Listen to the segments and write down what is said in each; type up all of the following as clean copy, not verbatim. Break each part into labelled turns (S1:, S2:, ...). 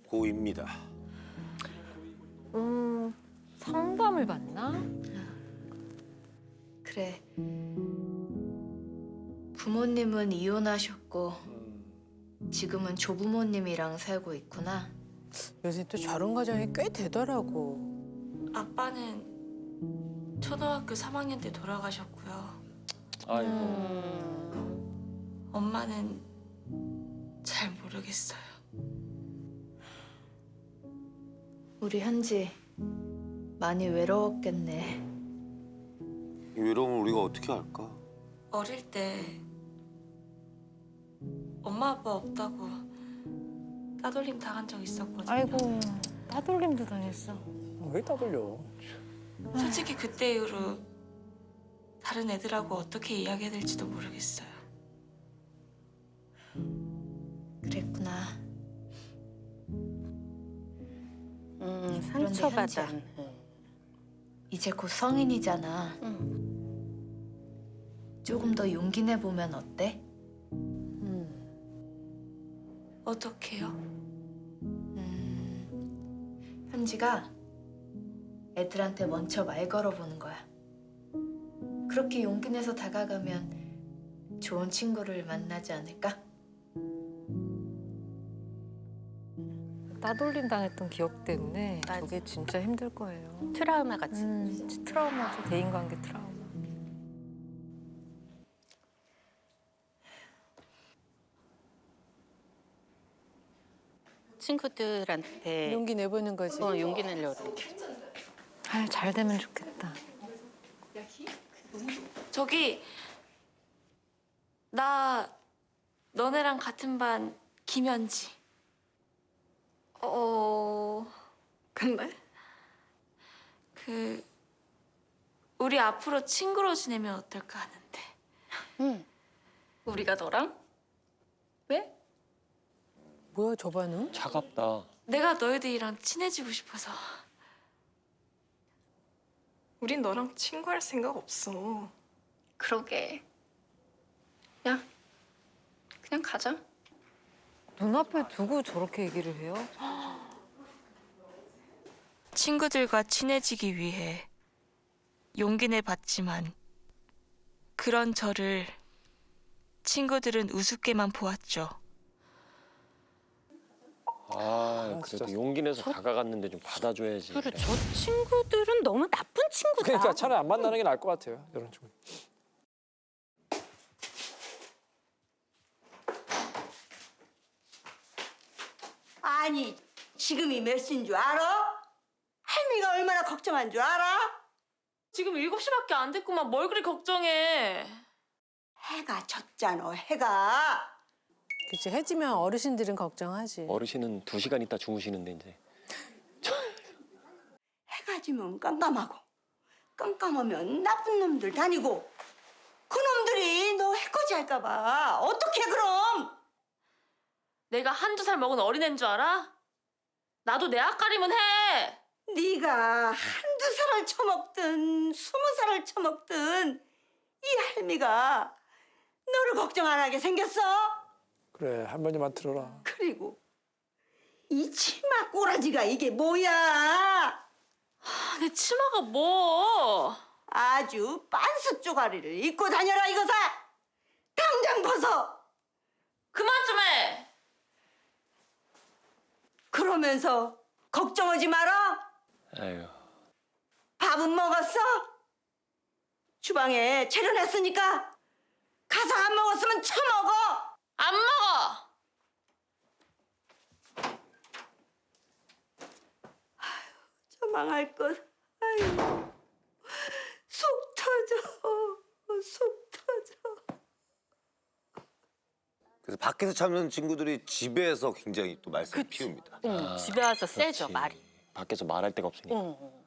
S1: 고입니다.
S2: 상담을 받나?
S3: 그래. 부모님은 이혼하셨고 지금은 조부모님이랑 살고 있구나.
S4: 요새 또 저런 가정이 꽤 되더라고.
S5: 아빠는 초등학교 3학년 때 돌아가셨고요.
S6: 아이고.
S5: 엄마는 잘 모르겠어요.
S3: 우리 현지 많이 외로웠겠네.
S1: 이 외로움을 우리가 어떻게 알까?
S5: 어릴 때 엄마 아빠 없다고 따돌림 당한 적 있었거든요.
S2: 아이고, 따돌림도 당했어.
S7: 왜 따돌려?
S5: 솔직히 그때 이후로 다른 애들하고 어떻게 이야기해야 될지도 모르겠어요.
S3: 그랬구나.
S4: 상처받아.
S3: 이제 곧 성인이잖아. 조금 더 용기 내보면 어때?
S5: 어떡해요?
S3: 현지가 애들한테 먼저 말 걸어보는 거야. 그렇게 용기 내서 다가가면 좋은 친구를 만나지 않을까?
S2: 따돌림 당했던 기억 때문에 저게 진짜 힘들 거예요.
S4: 트라우마 같이.
S2: 진짜 트라우마죠. 대인관계 트라우마.
S4: 친구들한테 용기 내보는 거지. 용기 내려고.
S2: 아, 잘 되면 좋겠다.
S5: 저기 나 너네랑 같은 반 김현지.
S8: 근데?
S5: 우리 앞으로 친구로 지내면 어떨까 하는데.
S8: 우리가 너랑? 왜?
S4: 뭐야 저 반응?
S6: 차갑다.
S5: 내가 너희들이랑 친해지고 싶어서.
S8: 우린 너랑 친구할 생각 없어.
S9: 그러게. 야, 그냥 가자.
S2: 눈앞에 두고 저렇게 얘기를 해요?
S5: 친구들과 친해지기 위해 용기 내봤지만 그런 저를 친구들은 우습게만 보았죠.
S6: 아,
S7: 진짜.
S6: 그래도 용기 내서 다가갔는데 좀 받아줘야지.
S4: 그래 저 친구들은 너무 나쁜 친구다.
S7: 그러니까 차라리 안 만나는 게 나을 것 같아요. 이런 친구.
S10: 아니, 지금이 몇 시인 줄 알아? 할미가 얼마나 걱정한 줄 알아?
S5: 지금 7시밖에 안 됐구만. 뭘 그리 걱정해.
S10: 해가 졌잖아, 해가.
S4: 그치 해지면 어르신들은 걱정하지.
S6: 어르신은 2시간 있다 주무시는데 이제.
S10: 해가 지면 깜깜하고, 깜깜하면 나쁜 놈들 다니고, 그 놈들이 너 해코지 할까 봐. 어떻게 그럼?
S5: 내가 한두 살 먹은 어린애인 줄 알아? 나도 내 앞가림은 해.
S10: 네가 한두 살을 처먹든 20살을 처먹든 이 할미가 너를 걱정 안 하게 생겼어?
S7: 그래 할머니만 들어라.
S10: 그리고 이 치마 꼬라지가 이게 뭐야?
S5: 내 치마가 뭐?
S10: 아주 빤스 쪼가리를 입고 다녀라 이거사! 당장 벗어!
S5: 그만 좀 해.
S10: 그러면서 걱정하지 마라.
S6: 아유.
S10: 밥은 먹었어? 주방에 차려놨으니까 가서 안 먹었으면 처먹어.
S5: 안 먹어.
S10: 저 망할 것. 아유, 속 터져. 속 터져.
S1: 그래서 밖에서 참는 친구들이 집에서 굉장히 또 말썽을 피웁니다.
S4: 응, 집에 와서 세죠
S6: 그렇지.
S4: 말이.
S6: 밖에서 말할 데가 없으니까.
S4: 응.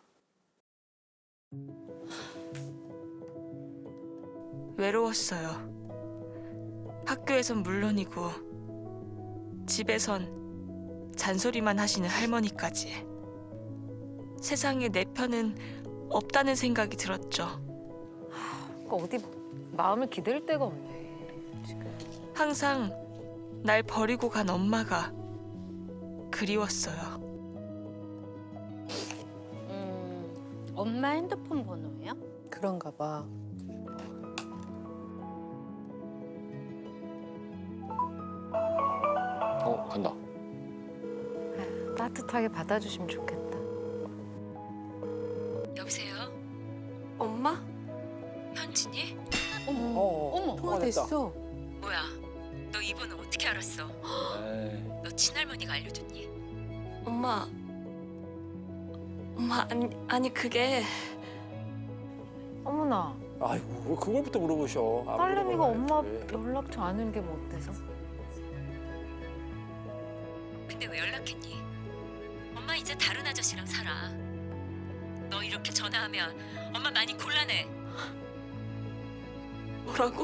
S5: 외로웠어요. 학교에선 물론이고 집에선 잔소리만 하시는 할머니까지. 세상에 내 편은 없다는 생각이 들었죠.
S2: 그러니까 어디 마음을 기댈 데가 없네, 지금.
S5: 항상 날 버리고 간 엄마가 그리웠어요.
S4: 엄마 핸드폰 번호예요?
S2: 그런가 봐.
S6: 간다.
S2: 따뜻하게 받아주시면 좋겠다.
S11: 여보세요?
S5: 엄마?
S11: 현진이?
S7: 어머,
S2: 통화 됐어.
S11: 뭐야? 너 이 번호 어떻게 알았어?
S6: 에이,
S11: 너 친할머니가 알려줬니?
S5: 엄마. 엄마, 아니 그게
S2: 어머나.
S7: 아이고 왜 그걸부터 물어보셔. 안
S2: 딸내미가
S7: 물어봐야지.
S2: 엄마 연락처 아는 게 뭐 어때서?
S11: 근데 왜 연락했니? 엄마 이제 다른 아저씨랑 살아. 너 이렇게 전화하면 엄마 많이 곤란해.
S5: 뭐라고?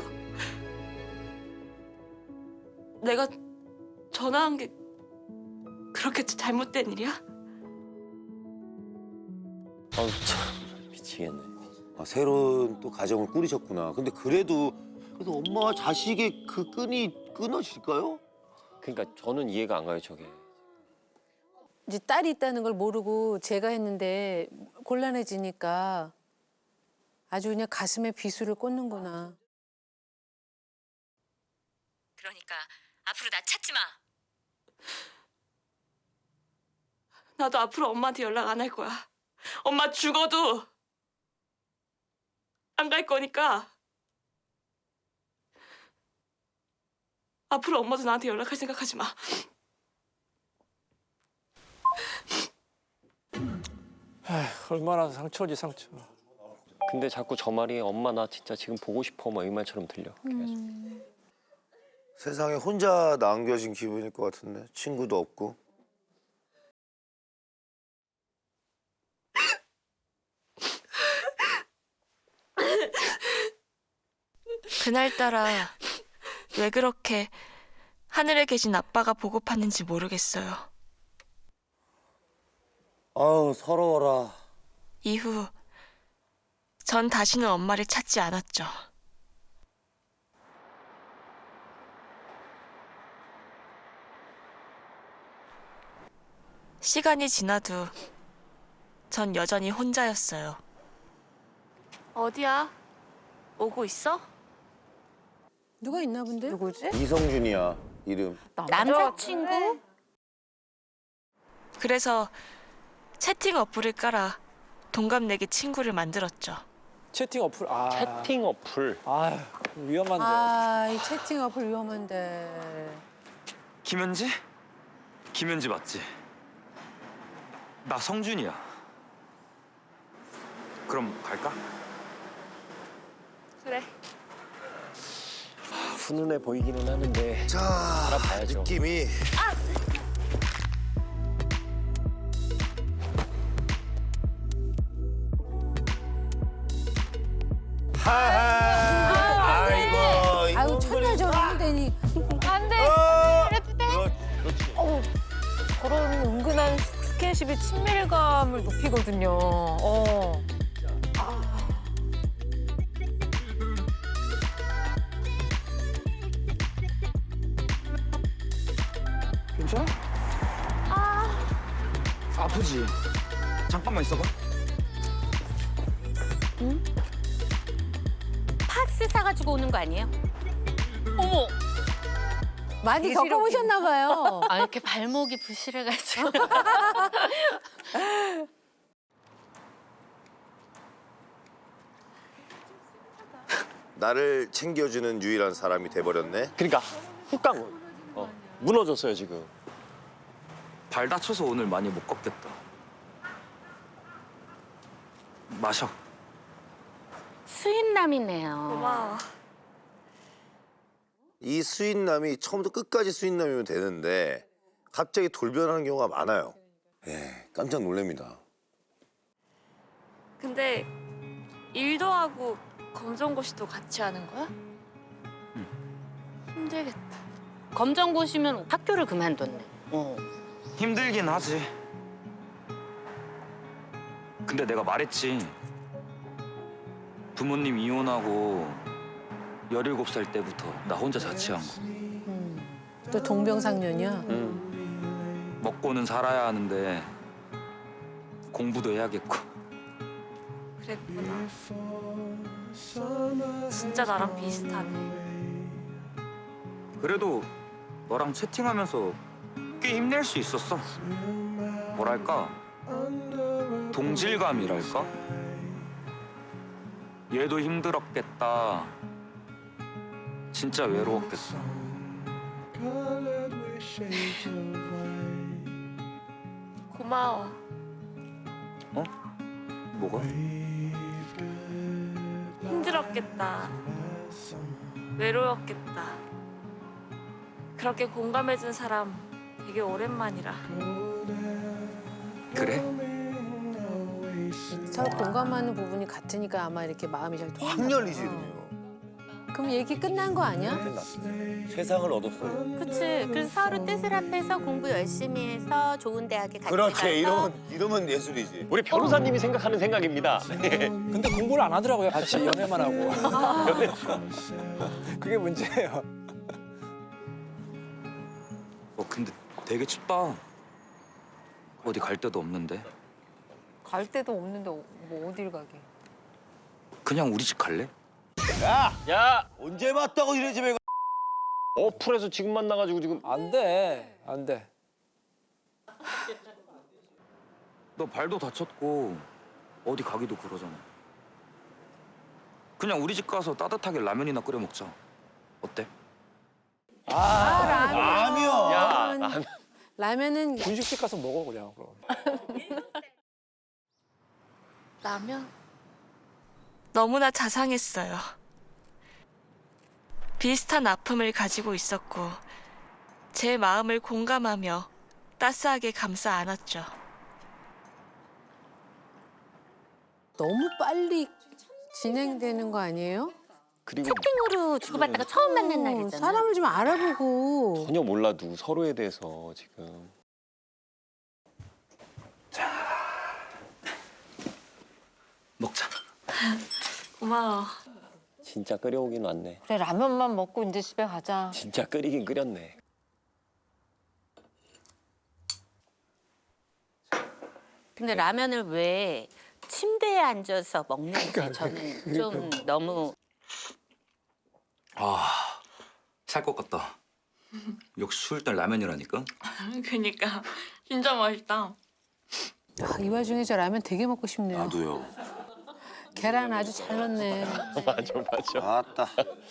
S5: 내가 전화한 게 그렇게 잘못된 일이야?
S6: 아우 참 미치겠네.
S1: 아, 새로운 또 가정을 꾸리셨구나. 근데 그래도 엄마와 자식의 그 끈이 끊어질까요?
S6: 그러니까 저는 이해가 안 가요 저게.
S4: 이제 딸이 있다는 걸 모르고 제가 했는데 곤란해지니까 아주 그냥 가슴에 비수를 꽂는구나.
S11: 그러니까 앞으로 나 찾지 마.
S5: 나도 앞으로 엄마한테 연락 안 할 거야. 엄마 죽어도 안 갈 거니까. 앞으로 엄마도 나한테 연락할 생각하지 마.
S7: 에휴, 얼마나 상처지 상처.
S6: 근데 자꾸 저 말이 엄마 나 진짜 지금 보고 싶어 막 이 말처럼 들려. 계속.
S1: 세상에 혼자 남겨진 기분일 것 같은데 친구도 없고.
S5: 그날따라 왜 그렇게 하늘에 계신 아빠가 보고팠는지 모르겠어요.
S1: 아우 서러워라.
S5: 이후 전 다시는 엄마를 찾지 않았죠. 시간이 지나도 전 여전히 혼자였어요. 어디야? 오고 있어?
S4: 누가 있나 본데?
S2: 누구지?
S1: 이성준이야 이름.
S4: 남자친구?
S5: 그래서 채팅 어플을 깔아 동갑내기 친구를 만들었죠.
S7: 채팅 어플.
S6: 채팅 어플.
S7: 아휴 위험한데.
S4: 아, 이 채팅 어플 위험한데.
S12: 김현지? 김현지 맞지? 나 성준이야. 그럼 갈까?
S5: 그래.
S6: 훈훈해 보이기는 하는데
S1: 자
S6: 알아봐야죠.
S1: 느낌이. 하하. 아이고.
S4: 아유, 첫날 저러면 되니.
S2: 안 돼. 저런 은근한 스킨십이 친밀감을 높이거든요.
S12: 괜찮아? 아프지? 잠깐만 있어봐.
S4: 파스 사가지고 오는 거 아니에요? 어머! 많이 겪어보셨나 봐요.
S11: 아 이렇게 발목이 부실해가지고.
S1: 나를 챙겨주는 유일한 사람이 돼버렸네.
S6: 그러니까 훅강 무너졌어요 지금.
S12: 발 다쳐서 오늘 많이 못 걷겠다. 마셔.
S4: 수인남이네요.
S5: 고마워.
S1: 이 수인남이 처음부터 끝까지 수인남이면 되는데 갑자기 돌변하는 경우가 많아요. 예, 깜짝 놀랍니다.
S5: 근데 일도 하고 검정고시도 같이 하는 거야? 힘들겠다.
S4: 검정고시면 학교를 그만뒀네.
S12: 힘들긴 하지. 근데 내가 말했지. 부모님 이혼하고 17살 때부터 나 혼자 자취한 거.
S4: 또 동병상련이야.
S12: 먹고는 살아야 하는데 공부도 해야겠고.
S5: 그랬구나. 진짜 나랑 비슷하네.
S12: 그래도 너랑 채팅하면서 꽤 힘낼 수 있었어. 뭐랄까? 동질감이랄까? 얘도 힘들었겠다. 진짜 외로웠겠어.
S5: 고마워.
S12: 어? 뭐가?
S5: 힘들었겠다. 외로웠겠다. 그렇게 공감해준 사람 되게 오랜만이라.
S12: 그래?
S4: 서로 공감하는 부분이 같으니까 아마 이렇게 마음이 잘 통하는
S1: 확 열리지 이러면.
S4: 그럼 얘기 끝난 거 아니야?
S1: 세상을 얻었어요.
S13: 그치. 그래서 서로 뜻을 합해서 공부 열심히 해서 좋은 대학에 같이 가서
S1: 그렇지 이러면 예술이지.
S6: 우리 변호사님이 생각하는 생각입니다.
S7: 근데 공부를 안 하더라고요. 같이 연애만 하고. 그게 문제예요.
S12: 근데 되게 춥다. 어디 갈 데도 없는데.
S2: 갈 데도 없는데 뭐 어딜 가게.
S12: 그냥 우리 집 갈래?
S6: 야,
S1: 언제 봤다고 이래 집에 가.
S6: 어플에서 지금 만나가지고 지금
S7: 안 돼. 안 돼.
S12: 너 발도 다쳤고 어디 가기도 그러잖아. 그냥 우리 집 가서 따뜻하게 라면이나 끓여 먹자. 어때?
S1: 라면.
S6: 야, 나는
S4: 라면은
S7: 분식집 가서 먹어 그냥 그럼.
S5: 라면? 너무나 자상했어요. 비슷한 아픔을 가지고 있었고 제 마음을 공감하며 따스하게 감싸 안았죠.
S4: 너무 빨리 진행되는 거 아니에요?
S6: 그리고
S13: 채팅으로 주고받다가 처음 만난 날이잖아.
S4: 사람을 좀 알아보고.
S6: 전혀 몰라도 서로에 대해서 지금.
S12: 먹자.
S5: 고마워.
S6: 진짜 끓여오긴 왔네.
S2: 그래 라면만 먹고 이제 집에 가자.
S6: 진짜 끓이긴 끓였네.
S13: 근데 라면을 왜 침대에 앉아서 먹는지 저는 좀 너무
S12: 살 것 같다. 역시 추울 땐 라면이라니까.
S5: 그니까 진짜 맛있다.
S4: 이 와중에 저 라면 되게 먹고 싶네요.
S1: 나도요.
S4: 계란 아주 잘 넣네.
S6: 맞아.
S1: 아따.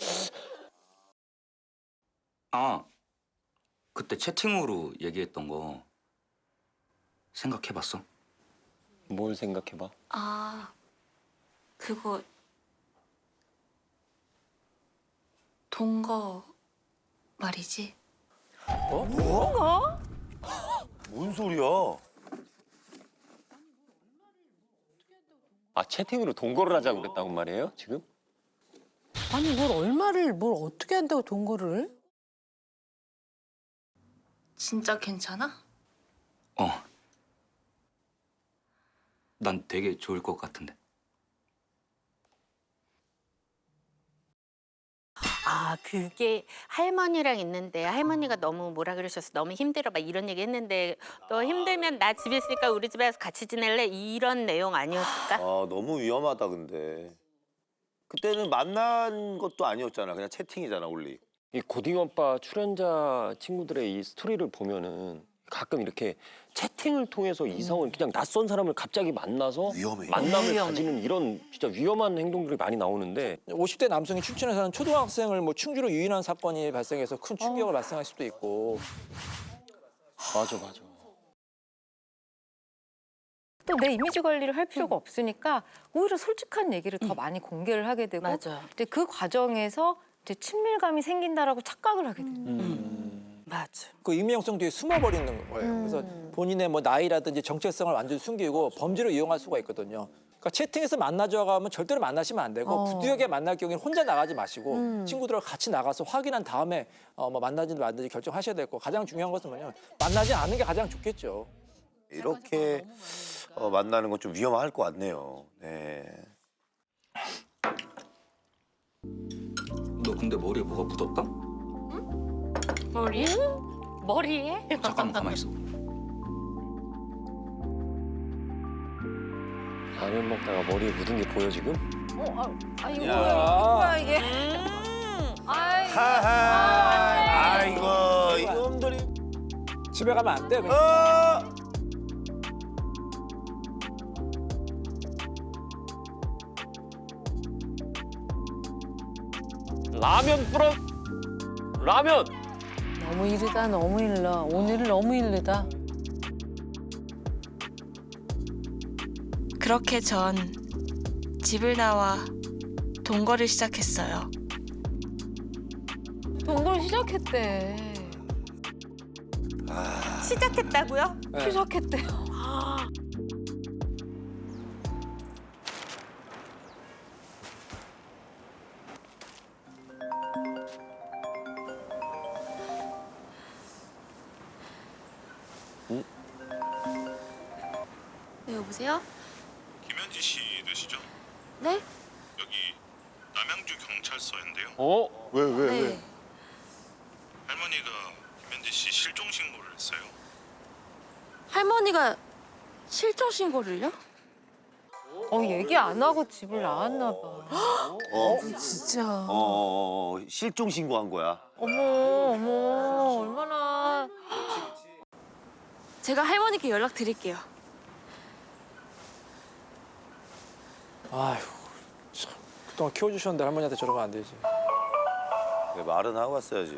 S12: 그때 채팅으로 얘기했던 거 생각해봤어?
S6: 뭘 생각해봐.
S5: 그거 동거 말이지?
S1: 뭔 소리야?
S6: 아, 채팅으로 동거를 하자고 그랬다고 말이에요, 지금?
S4: 아니 뭘 어떻게 한다고 동거를?
S5: 진짜 괜찮아?
S12: 난 되게 좋을 것 같은데.
S13: 그게 할머니랑 있는데 할머니가 너무 뭐라 그러셔서 너무 힘들어 막 이런 얘기 했는데 너 힘들면 나 집에 있으니까 우리 집에 와서 같이 지낼래? 이런 내용 아니었을까?
S1: 너무 위험하다 근데. 그때는 만난 것도 아니었잖아. 그냥 채팅이잖아 올리.
S6: 이 고딩 오빠 출연자 친구들의 이 스토리를 보면은 가끔 이렇게 채팅을 통해서 이성을 그냥 낯선 사람을 갑자기 만나서
S1: 위험해.
S6: 만남을 가지는 이런 진짜 위험한 행동들이 많이 나오는데
S7: 50대 남성이 춘천에 사는 초등학생을 뭐 충주로 유인한 사건이 발생해서 큰 충격을 발생할 수도 있고.
S6: 맞아.
S2: 또 내 이미지 관리를 할 필요가 없으니까 오히려 솔직한 얘기를 더 많이 공개를 하게 되고
S13: 맞아.
S2: 이제 그 과정에서 이제 친밀감이 생긴다라고 착각을 하게 돼요.
S13: 맞아.
S7: 그 익명성 뒤에 숨어버리는 거예요. 그래서 본인의 뭐 나이라든지 정체성을 완전히 숨기고 범죄로 이용할 수가 있거든요. 그러니까 채팅에서 만나자고 하면 절대로 만나시면 안 되고 부득이하게 만날 경우에는 혼자 나가지 마시고 친구들과 같이 나가서 확인한 다음에 뭐 만나든지 말든지 결정하셔야 되고 가장 중요한 것은 뭐냐면 만나지 않는 게 가장 좋겠죠.
S1: 이렇게 만나는 건 좀 위험할 것 같네요. 네.
S12: 너 근데 머리에 뭐가 묻었다?
S5: 머리?
S13: 머리에?
S12: 잠깐만 가만히 있어.
S6: 라면 먹다가 머리에 묻은 게 보여 지금?
S2: 이거
S1: 야.
S2: 뭐야 이게?
S1: 아이고 이놈들이.
S7: 집에 가면 안 돼. 그냥.
S6: 라면 뿌려. 라면.
S4: 너무 이르다 너무 일러. 오늘은 너무 이르다.
S5: 그렇게 전 집을 나와 동거를 시작했어요.
S2: 동거를 시작했대.
S13: 시작했다고요?
S7: 네.
S2: 시작했대요.
S3: 네, 여보세요?
S14: 김현지 씨 되시죠?
S3: 네?
S14: 여기 남양주 경찰서인데요.
S6: 어?
S1: 왜?
S3: 네.
S14: 할머니가 김현지 씨 실종 신고를 했어요.
S3: 할머니가 실종 신고를요?
S2: 얘기 안 하고 집을 나왔나 봐.
S4: 진짜.
S1: 실종 신고한 거야.
S2: 어머 얼마나.
S5: 제가 할머니께 연락 드릴게요.
S7: 아휴, 참. 그동안 키워주셨는데 할머니한테 저러면 안 되지.
S1: 그래, 말은 하고 왔어야지.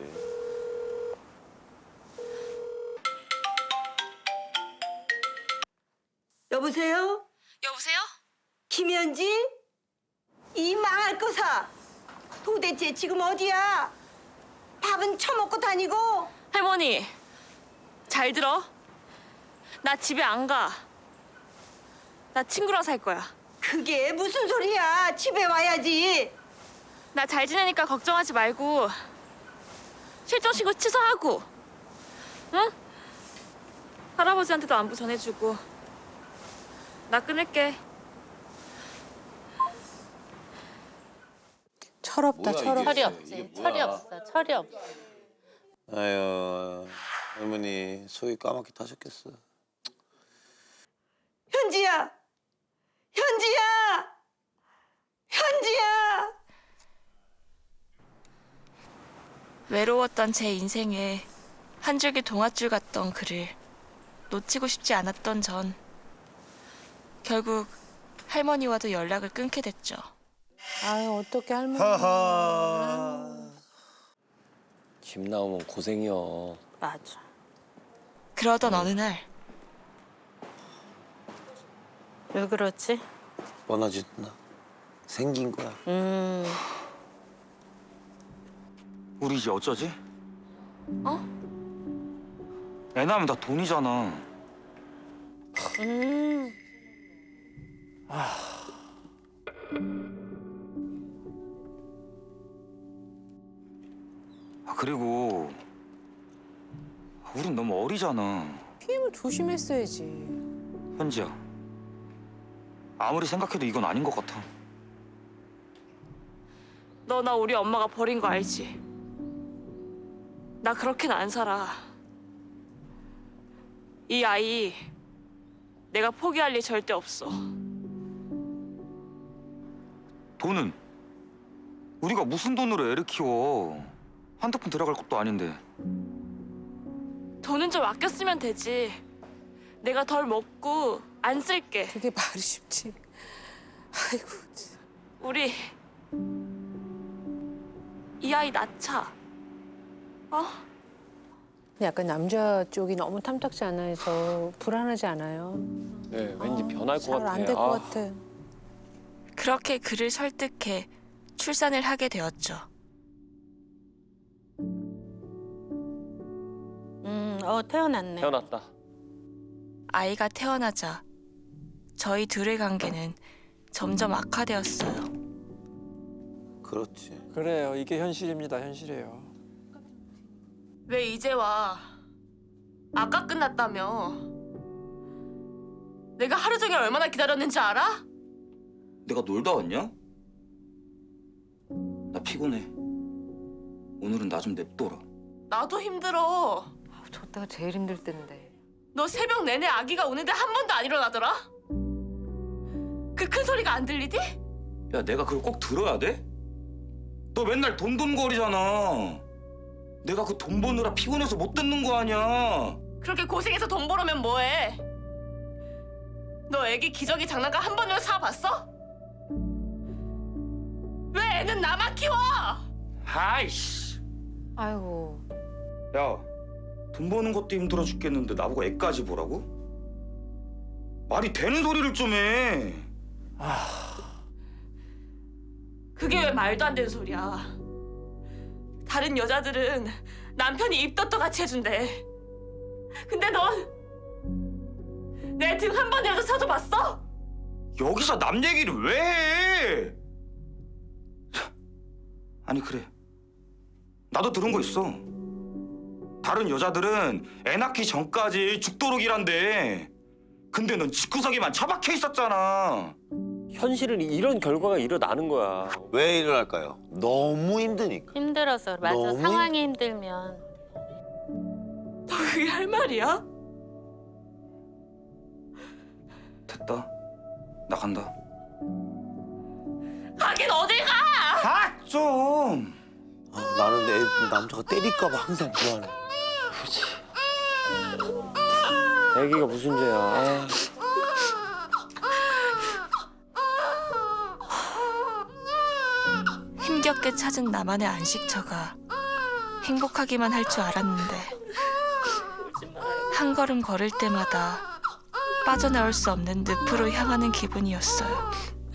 S10: 여보세요?
S5: 여보세요?
S10: 김현지? 이 망할 거사. 도대체 지금 어디야? 밥은 처먹고 다니고?
S5: 할머니, 잘 들어. 나 집에 안 가. 나 친구랑 살 거야.
S10: 그게 무슨 소리야? 집에 와야지.
S5: 나 잘 지내니까 걱정하지 말고 실종 신고 취소하고, 응? 할아버지한테도 안부 전해주고. 나 끊을게.
S4: 철없다 철없어.
S13: 철이 없지. 철이 없어. 철이 없어.
S1: 아유 할머니 속이 까맣게 타셨겠어.
S10: 현지야! 현지야! 현지야!
S5: 외로웠던 제 인생에 한 줄기 동아줄 같던 그를 놓치고 싶지 않았던 전 결국 할머니와도 연락을 끊게 됐죠.
S4: 아유 어떻게 할머니.
S6: 집 나오면 고생이여.
S13: 맞아.
S5: 그러던 어느 날
S13: 왜 그러지?
S1: 뻔하지나 생긴 거야.
S12: 우리 이제 어쩌지?
S5: 어?
S12: 애 낳으면 다 돈이잖아. 그리고 우린 너무 어리잖아.
S4: 피임을 조심했어야지.
S12: 현지야. 아무리 생각해도 이건 아닌 것 같아.
S5: 너 나 우리 엄마가 버린 거 알지? 나 그렇게는 안 살아. 이 아이 내가 포기할 일 절대 없어.
S12: 돈은? 우리가 무슨 돈으로 애를 키워. 한두 푼 들어갈 것도 아닌데.
S5: 돈은 좀 아껴 쓰면 되지. 내가 덜 먹고 안 쓸게.
S4: 그게 말이 쉽지. 아이고.
S5: 우리 이 아이 낳자. 어?
S4: 약간 남자 쪽이 너무 탐탁지 않아 해서 불안하지 않아요?
S6: 네, 왠지 변할 것
S4: 잘
S6: 같아.
S4: 안 될 것 같아.
S5: 그렇게 그를 설득해 출산을 하게 되었죠.
S13: 태어났네.
S6: 태어났다.
S5: 아이가 태어나자 저희 둘의 관계는 점점 악화되었어요.
S1: 그렇지.
S7: 그래요. 이게 현실입니다. 현실이에요.
S5: 왜 이제 와? 아까 끝났다며. 내가 하루 종일 얼마나 기다렸는지 알아?
S12: 내가 놀다 왔냐? 나 피곤해. 오늘은 나 좀 냅둬라.
S5: 나도 힘들어.
S2: 저 때가 제일 힘들 때인데.
S5: 너 새벽 내내 아기가 우는데 한 번도 안 일어나더라? 그 큰 소리가 안 들리디?
S12: 야, 내가 그걸 꼭 들어야 돼? 너 맨날 돈돈거리잖아. 내가 그 돈 버느라 피곤해서 못 듣는 거 아니야.
S5: 그렇게 고생해서 돈 벌으면 뭐해? 너 애기 기저귀 장난감 한 번이라도 사봤어? 왜 애는 나만 키워?
S12: 아이씨.
S2: 아이고.
S12: 야, 돈 버는 것도 힘들어 죽겠는데 나보고 애까지 보라고? 말이 되는 소리를 좀 해.
S5: 그게 왜 말도 안 되는 소리야? 다른 여자들은 남편이 입덧도 같이 해준대. 근데 넌 내 등 한 번이라도 서줘봤어?
S12: 여기서 남 얘기를 왜 해? 아니 그래, 나도 들은 거 있어. 다른 여자들은 애 낳기 전까지 죽도록 일한대. 근데 넌 집구석에만 처박혀 있었잖아.
S6: 현실은 이런 결과가 일어나는 거야.
S1: 왜 일어날까요? 너무 힘드니까.
S13: 힘들어서 맞아.
S1: 너무
S13: 상황이 힘들면.
S5: 너 그게 할 말이야?
S12: 됐다, 나 간다.
S5: 가긴 어딜 가!
S12: 아 좀.
S1: 나는 내 남자가 때릴까봐 항상 불안해.
S6: 그렇지. 애기가 무슨 죄야.
S5: 힘겹게 찾은 나만의 안식처가 행복하기만 할 줄 알았는데 한 걸음 걸을 때마다 빠져나올 수 없는 늪으로 향하는 기분이었어요.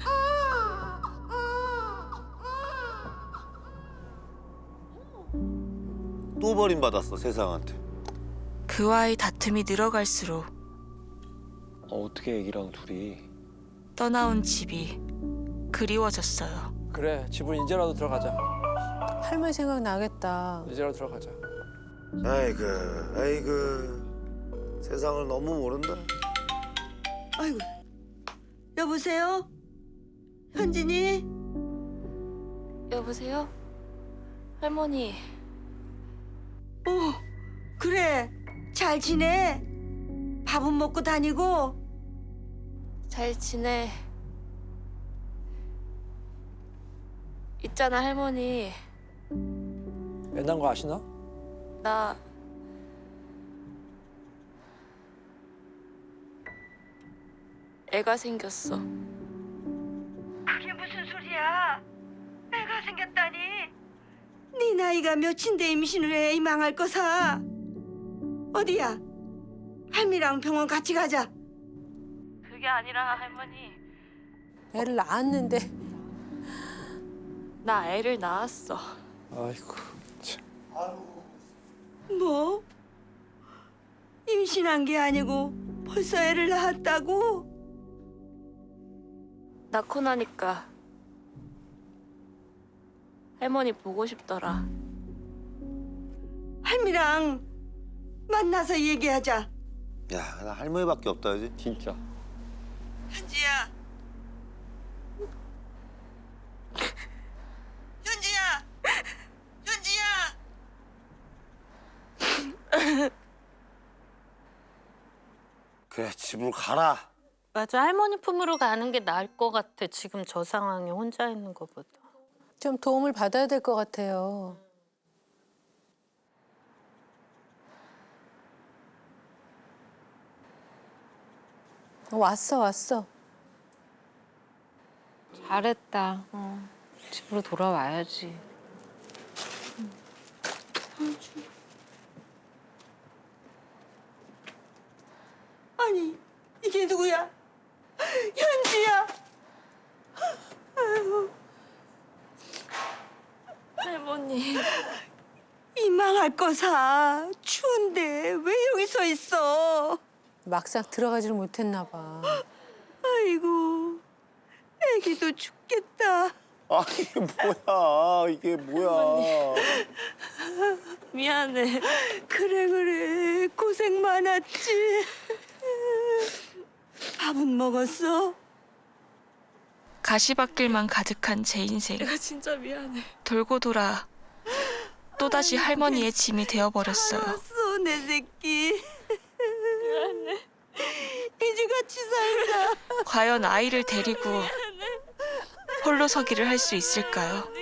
S1: 또 버림받았어, 세상한테.
S5: 그와의 다툼이 늘어갈수록
S6: 어떻게 애기랑 둘이.
S5: 떠나온 집이 그리워졌어요.
S7: 그래, 집을 이제라도 들어가자.
S4: 할머니 생각 나겠다.
S7: 이제라도 들어가자.
S1: 아이고, 아이고. 세상을 너무 모른다.
S10: 아이고. 여보세요? 현진이?
S5: 여보세요? 할머니.
S10: 그래. 잘 지내? 밥은 먹고 다니고?
S5: 잘 지내. 있잖아 할머니.
S7: 애 낳은 거 아시나?
S5: 나 애가 생겼어.
S10: 그게 무슨 소리야? 애가 생겼다니? 네 나이가 몇인데 임신을 해, 이 망할 거사. 어디야? 할미랑 병원 같이 가자.
S5: 그게 아니라 할머니.
S4: 애를 낳았는데.
S5: 나 애를 낳았어.
S7: 아이고. 참.
S10: 뭐? 임신한 게 아니고 벌써 애를 낳았다고?
S5: 낳고 나니까 할머니 보고 싶더라.
S10: 할미랑 만나서 얘기하자.
S1: 야, 나 할머니밖에 없다, 이제.
S6: 진짜.
S10: 현지야. 현지야. 현지야.
S1: 그래, 집으로 가라.
S13: 맞아. 할머니 품으로 가는 게 나을 것 같아. 지금 저 상황에 혼자 있는 것보다.
S4: 좀 도움을 받아야 될 것 같아요. 왔어.
S2: 잘했다. 집으로 돌아와야지.
S10: 아니, 이게 누구야? 현지야. 아이고.
S5: 할머니.
S10: 이 망할 거사. 추운데 왜 여기 서 있어?
S4: 막상 들어가지를 못했나 봐.
S10: 아이고, 애기도 죽겠다.
S1: 아, 이게 뭐야.
S5: 미안해.
S10: 그래, 고생 많았지. 밥은 먹었어?
S5: 가시밭길만 가득한 제 인생. 내가 진짜 미안해. 돌고 돌아 또다시 할머니의 짐이 되어버렸어요.
S10: 알았어, 내 새끼.
S5: 미안해.
S10: 이제 같이 살자.
S5: 과연 아이를 데리고 홀로 서기를 할 수 있을까요?